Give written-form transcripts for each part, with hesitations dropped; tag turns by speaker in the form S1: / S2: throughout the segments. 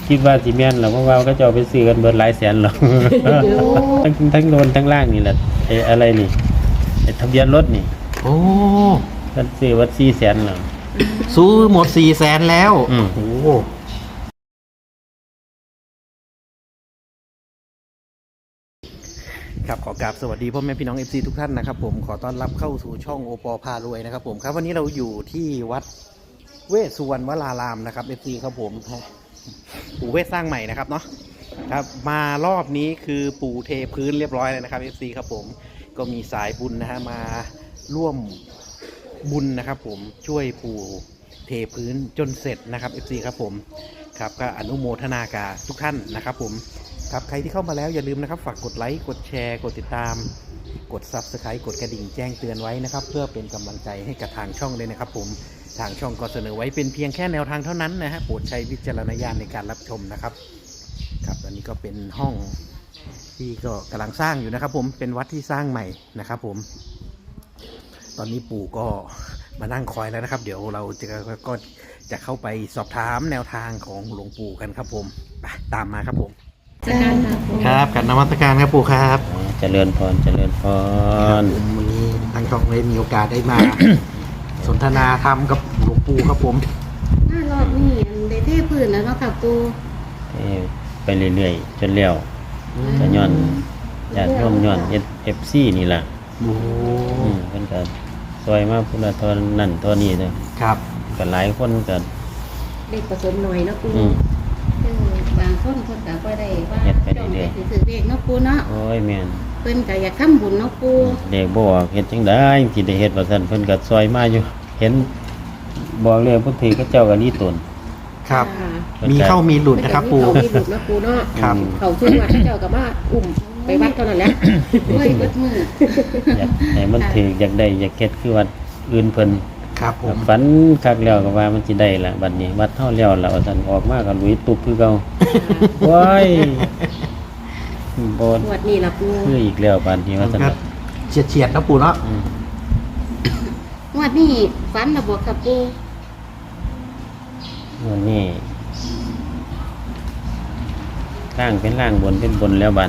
S1: คิดว่าสิแม่นหรอเพราะว่าก็จะเอาไปซื้อกันเบิดหลายแสนหรอกทั้งโดนทั้งล่างนี่แหละไอ้อะไรนี่ไอ้ทะเบียนรถนี่
S2: โอ้
S1: กันซื้อวัด400,000หรอ
S2: ซื้อหมด400,000แล้วโอ้ครับขอกราบสวัสดีพ่อแม่พี่น้อง FC ทุกท่านนะครับผมขอต้อนรับเข้าสู่ช่องโอปอพารวยนะครับผมครับวันนี้เราอยู่ที่วัดเวสสุวรรณวรารามนะครับ FC ครับผมปู่เวสสร้างใหม่นะครับเนาะครับมารอบนี้คือปู่เทพื้นเรียบร้อยเลยนะครับ FC ครับผมก็มีสายบุญนะฮะมาร่วมบุญนะครับผมช่วยปู่เทพื้นจนเสร็จนะครับ FC ครับผมครับก็อนุโมทนากับทุกท่านนะครับผมครับใครที่เข้ามาแล้วอย่าลืมนะครับฝากกดไลค์กดแชร์กดติดตามกด Subscribe กดกระดิ่งแจ้งเตือนไว้นะครับเพื่อเป็นกำลังใจให้กับทางช่องเลยนะครับผมทางช่องก็เสนอไว้เป็นเพียงแค่แนวทางเท่านั้นนะฮะโปรดใช้วิจารณญาณในการรับชมนะครับครับอันนี้ก็เป็นห้องที่ก็กำลังสร้างอยู่นะครับผมเป็นวัดที่สร้างใหม่นะครับผมตอนนี้ปู่ก็มานั่งคอยแล้วนะครับเดี๋ยวเราก็จะเข้าไปสอบถามแนวทางของหลวงปู่กันครับผมไปตามมาครับผมครับกับนมัสการครับปู่ครับ
S1: เจริญพรเจริญพร
S2: วันนี้ทางช่องได้มีโอกาสได้มา สนทนาธรรมกับหลวงปู่ครับผม
S3: รอบนี้ได้เทพื้นแล้วเนาะค่ะปู
S1: ไปเรื่อยๆจนเลี้ยวจะย้อนญาติโยมย้อนFC นี่แหละ
S2: โอ้
S1: เพิ่นก็ซอยมาพุ่นละเทอนนั่นเทอนี้เด้อ
S2: ครับ
S1: ก็หลายคนก็
S3: เด็กผสมหน่อยเนาะปูบางคนก็บ่ได้ว่าจ้องไปถือเด็กเนาะปูเนาะ
S1: โอ้ยแม่น
S3: เพิ่นก็อยากทำบุญเนาะปู
S1: เด็กบ่ออกเฮ็ดจังได๋สิได้เฮ็ดว่าซั่นเพิ่นก็ซอยมาอยู่ เห็นบอกเลยพุทธิเขาเจ้าก็นี่ตน
S2: ครับมีเข้ามีหลุดนะครับปู่
S3: มีหลุดนะปูเนาะ
S2: ครับ
S3: เขาช่วยวัดเจ้ากับว่าอุ้มไปวัดเท่านั้นแหละเฮ้ยเบิดมือ
S1: อยากให้มันถืออยากได้อยากเฮ็ดคือวัดอื่นเพิ่น
S2: ครับผม
S1: ฝันคักแล้วก็ว่ามันสิได้ล่ะบัดนี้วัดเฮาแล้วล่ะว่าซั่นออกมาก็ลุยตุบคือเก่าโอ้ยบ่
S3: งวดนี้ล่ะปู
S1: คืออีกแล้วบัดนี้ว่าซั่น
S2: ก็เฉียดๆนะปู่เนาะ
S3: งวดนี้ฝันระบบกับปู
S1: วันนี้ล่างเป็นล่างบนเป็นบนแล้วบัด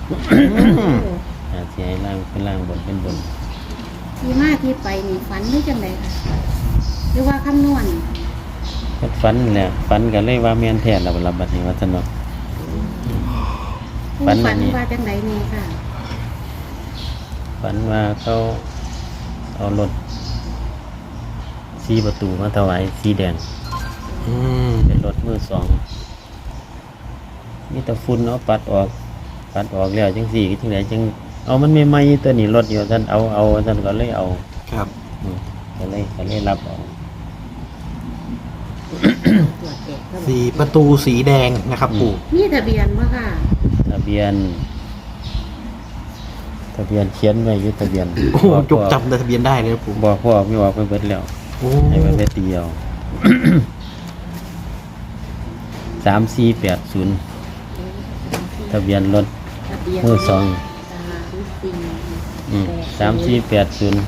S1: สิให้ล่างเป็นล่างบนเป็นบน
S3: ที่มาที่ไปนี่ฝันหรือจังไดค่ะหรือว่าคำนวณ
S1: เฮ็ดฝันแหละฝันก็เลยว่าแม่นแท้แล้วบัดนี้ว่าซั่นเนาะ
S3: ปู
S1: ฝันอั
S3: ฝั
S1: น
S3: น
S1: นี้
S3: ว่าจังไดนี่ค่ะ
S1: ฝันว่าเขาเอารถ4ประตูมาถวายสีแดง
S2: อืม
S1: เป็นรถมือสองมีแต่ฝุ่นเอาปัดออกแล้วจังสี่จังไหนจังเอามันไม่ไหม้ตัวนี้รถอยู่ท่านเอาท่านก็เลยเอา
S2: ครับ
S1: ก็เลยรับเอา
S2: 4 ประตูสีแดงนะครับปู่
S3: มีทะเบียนบ่ค่ะ
S1: ทะเบียนเขียนไว้อยู่ทะเบียน
S2: โอ้จกจำทะเบียนได้เลยนะปู่
S1: บอกพ่อไม่บอกไปเบิดแล้ว
S2: โอ้
S1: ให้ไปเดียว 3480ทะเบียนรถ
S3: ทะเบียน
S1: มือสอง
S3: 3480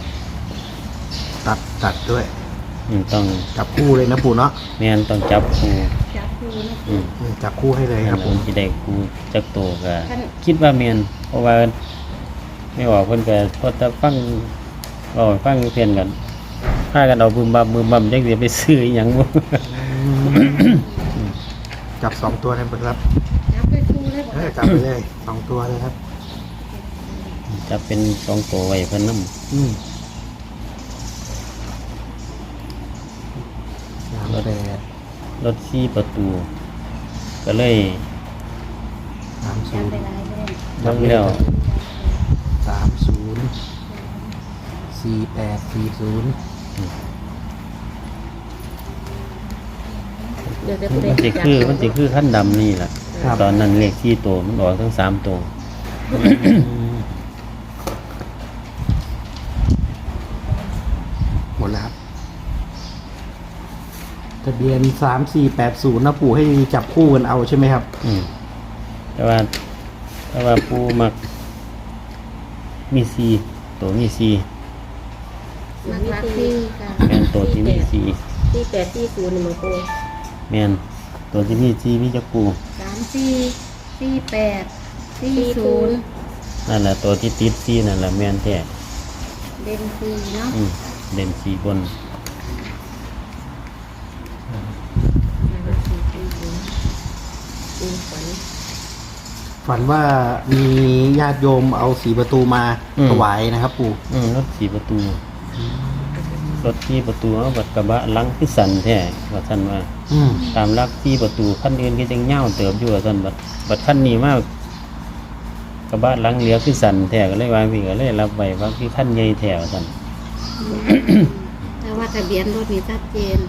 S2: ตัดด้วย
S1: ต้อง
S2: จับคู่เลยนะปู่เนาะ
S1: แม่นต้องจับคู่
S3: จับคู่นะ
S1: อืม
S2: จับคู่ให้เลยครับผม
S1: สิได้กูจักโตก็คิดว่าแม่นเพราะว่าไม่ออกเพิ่นก็พอจะฟังเพียนกันพากันเอาบึมบัมจังสิไปซื้ออีหยังบ่
S2: จับ2 ตัวเลยครับ
S3: จับไปคู่เลยบ่
S2: จับไปเลย2 ตัวเลยครับ
S1: จะเป็น2โตไว้เพิ่นนำ รถ4ประตู ก็เลย
S3: จับไปหลายเลย
S1: ทำแล้ว
S2: 304840
S3: เดี๋ยวจะ
S1: มันสิคือขั้นดำนี่ล่ะตอนนั้นเลข4โตมันออกทั้ง3โต
S2: หมดแล้วครับทะเบียน3480นะปู่ให้จับคู่กันเอาใช่ไหมครับ
S1: แต่ว่าผู้มักมี4โตมี4
S3: มันรักที่ค่ะ
S1: แม่นโตที่มี4
S3: 4840นี่มันปู
S1: แม่นตัวที่มีซีมีจักปู
S3: 34 48 40
S1: นั่นแหละตัวที่ติดซีนั่นแหละแม่นแท้
S3: เด่น4เนาะ
S1: เด่นซีบน
S2: ฝันว่ามีญาติโยมเอาสีประตูมาถวายนะครับปู่
S1: รถ4ประตูรถ4ประตูเอาบัดกระบะหลังคือสั่นแท้ว่าซั่นว่า ตามหลัก4ประตูคันอื่นก็จังยาวเติบอยู่ว่าซั่นบัดคันนี้มากระบะหลังเหลือคือสั่นแท้ก็เลยว่าพี่ก็เลยรับไว้ว่าคือคันใหญ่แท้ว่าซั่น
S3: แต่ว่าทะเบียนรถมีชัดเจน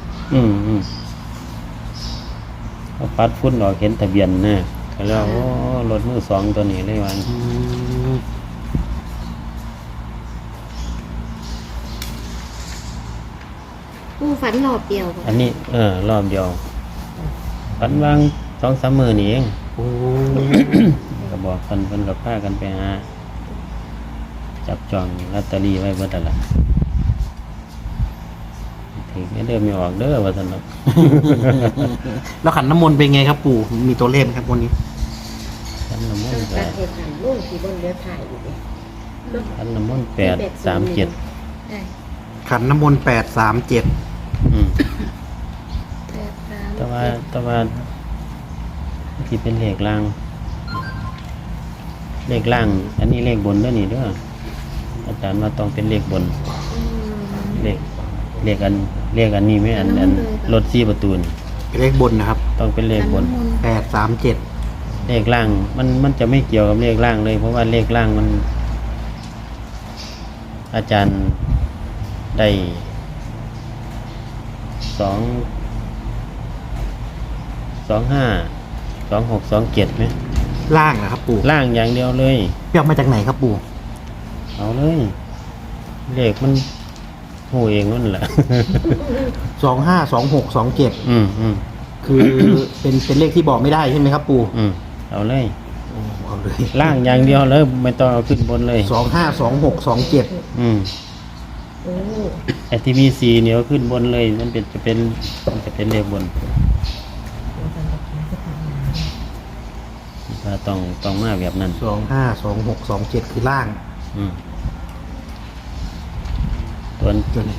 S1: เขาปัดฝุ่นออกเห็นทะเบียนนะก็เลยว่าโอ้รถมือสองตัวนี้เลยว่า
S3: ผู้ฝันรอบเดียวบ่
S1: อันนี้รอบเดียวฝันวาง2-3 มื้อนี่เอง
S2: โอ้
S1: ก็บอกเพิ่นก็พากันไปหาจับจองลอตเตอรี่ไว้เบิดนั่นล่ะถึงเด้อไม่ออกเด้อว่าซั่นเนาะ
S2: แล้วขันน้ำมนต์เป็นไงครับปู่มีตัวเลขไหมครับวันนี้
S1: ขันน้ำมน
S3: ตั้ง
S1: ต์ก็
S3: แต่เหตุการณ์ลูกที่บนเรือถ่ายอยู่ดิ
S1: ขันน้ำมนต์837
S3: ได้
S2: ขันน้ำมนต์837
S1: อืม
S3: 8
S1: แต่ว่าที่เป็นเลขล่าง เลขล่าง อันนี้เลขบนเด้อนี่เด้ออาจารย์ว่าต้องเป็นเลขบน เลขอันนี้ไหมอันรถ4ประตูนี่
S2: เป็นเลขบนนะครับ
S1: ต้องเป็นเลขบน
S2: 837
S1: เลขล่างมันจะไม่เกี่ยวกับเลขล่างเลย เพราะว่าเลขล่างมัน อาจารย์ได้2627ไหม
S2: ล่างนะครับปู่
S1: ล่างอย่างเดียวเลย
S2: เปียกมาจากไหนครับปู่
S1: เอาเลย เลขมันหูเองนั่นแหละ
S2: 252627
S1: อืม
S2: คือเป็นเลขที่บอกไม่ได้ใช่ไหมครับปู่
S1: เอาเลย
S2: โอ้เอาเลย
S1: ล่างอย่างเดียวเลยไม่ต้องเอาขึ้นบนเลย
S2: 252627
S1: อืม
S3: โอ้
S1: ไอ้ที่มีสีเนี่ยเอาขึ้นบนเลย มันจะเป็นเลขบนถ้าต้องมาแบบนั้น
S2: 252627คือล่าง
S1: อืมตัว
S2: จน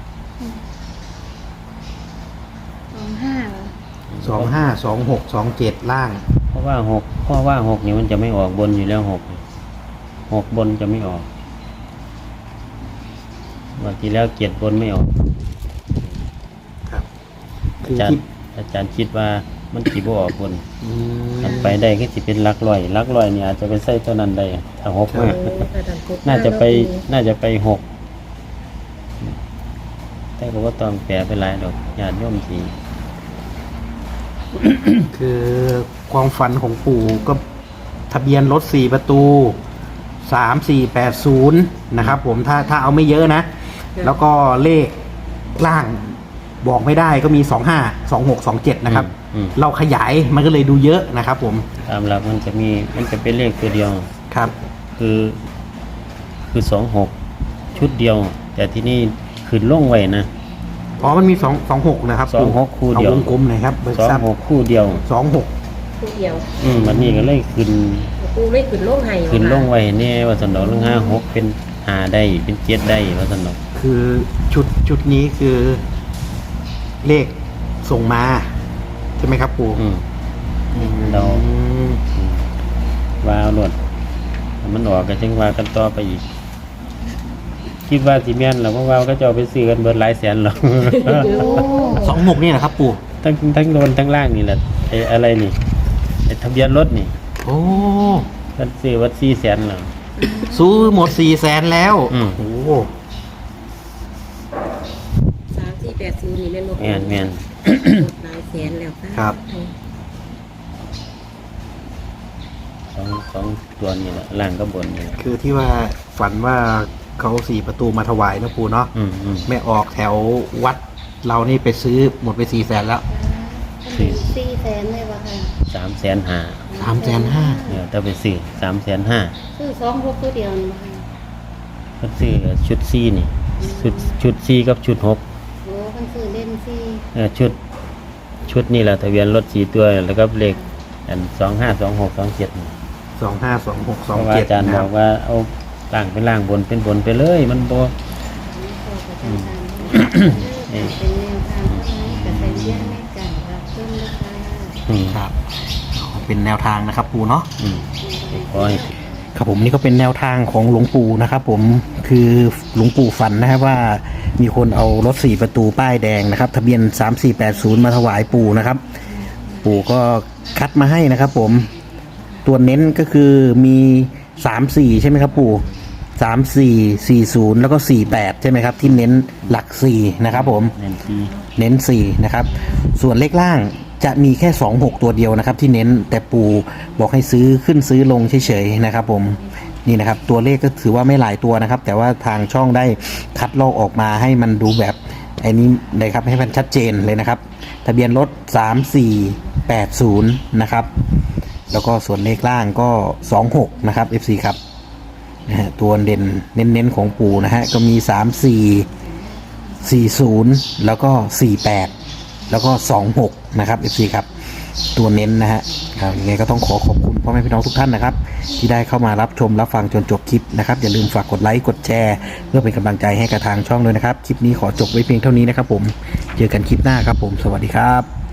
S3: 25
S2: 252627ล่าง
S1: เพราะว่าหกเนี่ยมันจะไม่ออกบนอยู่แล้วหกบนจะไม่ออกวันที่แล้วเกียรติบนไม่ออก
S2: ครับ
S1: อา
S2: คือ
S1: จาร
S2: ที่
S1: ย์คิดว่ามันสิบ่ออกบน
S2: อืม
S1: มันไปได้ก็สิเป็นหลักร้อยเนี่ยอาจจะไปใส่ตัวนั้นได้ถ้าหกมากน่าจะไปหกแต่ก็ว่าต้องแปลไปหลายดอกญาติโยมสิ
S2: คือความฝันของปู่ก็ทะเบียนรถ4ประตู 3480นะครับผมถ้าเอาไม่เยอะนะ แล้วก็เลขล่างบอกไม่ได้ก็มี252627นะครับ เราขยายมันก็เลยดูเยอะนะครับผม
S1: ตามหลักมันจะเป็นเลขตัวเดียว
S2: ครับ
S1: คือ26ชุดเดียว แต่ที่นี่ขึ้นลงไว้นะ
S2: อ๋อมันมี26นะครับปู่
S1: 26คู่เดียว
S2: เอาวงกลมหน่อยครับเบิกทรัพย์
S1: 26คู่เดียว
S2: 26
S3: ผู้เดียว
S1: มันนี่ก็เลยขึ้น
S3: ปูเลยขึ้นโลกให้
S1: ขึ้นลงไว้เนี่ยว่าสันดอกลง56เป็น5ได้เป็น7ได้ว่าสันดอก
S2: คือชุดนี้คือเลขส่งมาใช่ไหมครับปู่
S1: เรา
S2: อืม
S1: ว่าเอาหลดมันออกก็จึงว่ากันต่อไปอีก คิดว่าสิแม่นแล้วเพราะว่าก็จะเอาไปซื้อกันเบิดหลายแสนหรอก
S3: โอ้
S2: 26นี่แหละครับปู่
S1: ทั้งโดนทั้งล่างนี่แหละไอ้อะไรนี่ไอ้ทะเบียนรถนี่
S2: โอ้
S1: มันซื้อวัด400,000หรอ
S2: ซื้อหมด400,000แล้ว
S1: อืม
S2: โอ้
S3: 3480นี่แม่นบ่
S1: แม่น
S3: หลายแสนแล้ว
S2: ครับ
S1: สองตัวนี่แหละล่างก็บนนี่แหละ
S2: คือที่ว่าฝันว่าเขา4ประตูมาถวายนะปู่เนาะ
S1: อืม
S2: ไม่ออกแถววัดเรานี่ไปซื้อหมดไป400,000แล้ว
S3: 4แสนเลยว่ะค่ะ
S1: 350,000
S2: 350,000
S1: เนี่ยถ้าไปซื้อ350,000
S3: ซื้อ2พวกตัวเดียวนี่บ่ค่ะ
S1: ก็ซื้อชุด4นี่ชุด4กับชุด6
S3: โอ้เพิ่นซื้อเล่น4
S1: ชุดชุดนี่แหละทะเบียนรถ4ตัวแล้วก็เลขอัน252627
S2: 252627
S1: เพราะว่าอาจารย์บอกว่าเอาล่างเป็นล่างบนเป็นบนไปเลยมันบ่
S3: เป็นแนวทางเท่านั้นกับใส่เยี่ยมในการรับชมนะคะ
S2: ครับเป็นแนวทางนะครับปู่เนาะ
S1: ขอให้
S2: ครับผมนี่ก็เป็นแนวทางของหลวงปู่นะครับผมคือหลวงปู่ฝันนะครับว่ามีคนเอารถ4ประตูป้ายแดงนะครับทะเบียน3480มาถวายปู่นะครับปู่ก็คัดมาให้นะครับผมตัวเน้นก็คือมี34ใช่ไหมครับปู่3440แล้วก็48ใช่ไหมครับที่เน้นหลัก4นะครับผม
S1: เน้นที่
S2: เน้น4นะครับส่วนเลขล่างจะมีแค่26ตัวเดียวนะครับที่เน้นแต่ปู่บอกให้ซื้อขึ้นซื้อลงเฉยๆนะครับผมนี่นะครับตัวเลขก็ถือว่าไม่หลายตัวนะครับแต่ว่าทางช่องได้คัดลอกออกมาให้มันดูแบบไอ้นี้เลยครับให้มันชัดเจนเลยนะครับทะเบียนรถ3480นะครับแล้วก็ส่วนเลขล่างก็26นะครับ FC ครับนะฮะตัวเด่นเน้นๆของปู่นะฮะก็มี40แล้วก็48แล้วก็26นะครับ FC ครับตัวเน้นนะฮะยังไงก็ต้องขอบคุณพ่อแม่พี่น้องทุกท่านนะครับที่ได้เข้ามารับชมรับฟังจนจบคลิปนะครับอย่าลืมฝากกดไลค์กดแชร์เพื่อเป็นกำลังใจให้กับทางช่องด้วยนะครับคลิปนี้ขอจบไว้เพียงเท่านี้นะครับผมเจอกันคลิปหน้าครับผมสวัสดีครับ